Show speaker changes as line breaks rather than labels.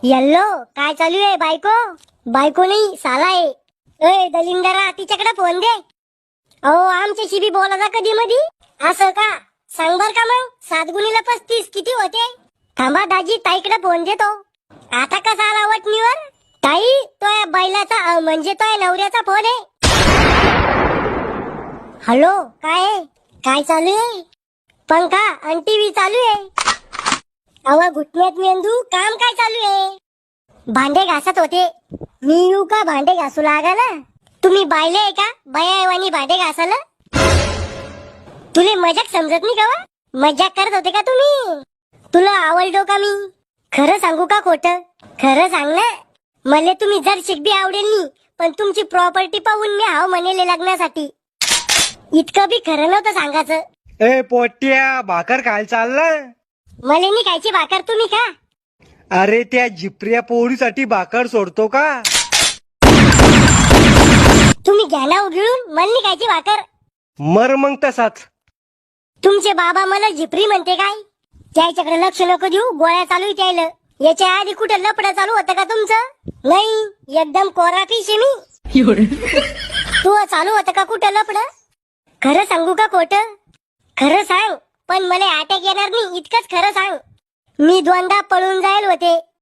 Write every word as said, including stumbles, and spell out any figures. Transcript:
Yellow काय चालू आहे बायको? बायको नाही साला आहे. ए दलिंदरा तिच्याकडे फोन दे. अहो आमच्याशी बी बोलायचा कधी मधी. असं का? सांग बर का मग सात गुणीला पस्तीस किती होते? थांबा दाजी ताईकडे फोन देतो. आता कसा आला वटणीवर? ताई तो या बैलाचा अ, म्हणजे तो या नवऱ्याचा फोन आहे. हॅलो काय आहे? काय चालू आहे? पंखा आणि टीव्ही चालू आहे. अवा घुटण्यात मेंदू काम काय चालू आहे? भांडे घासत होते. मी येऊ का भांडे घासू लागायला? तुम्ही बायले आहे का बायावानी भांडे घासायला? तुले मजाक समजत नाही का वा? मजाक करत होते का तुम्ही? तुला आवडलो का मी? खरं सांगू का खोटं? खरं सांग ना. मला तुम्ही जर शिकबी आवडेल नी पण तुमची प्रॉपर्टी पाहून मी हाव म्हणेले लग्नासाठी. इतकं बी खरं नव्हतं सांगायचं.
ए पोट्या भाकर खायला चालला?
मला नी खायची भाकर तुम्ही का?
अरे त्या झिपऱ्या पोळीसाठी भाकर सोडतो का?
तुम्ही घ्या ना उघडून मला नी खायची भाकर.
मर मग तसाच.
तुमचे बाबा मला झिपरी म्हणते काय? त्याच्याकडे लक्ष नको देऊ गोळ्या चालू आहे त्याला. याच्या आधी कुठं लपडं चालू होतं का तुमचं? नाही एकदम कोरा फिश आहे मी. तू चालू होतं का कुठं लपडं? खरं सांगू का खोटं? खरं सांग पण मला अटॅक येणार नाही इतकंच खरं सांग. मी दोनदा पळून जायल होते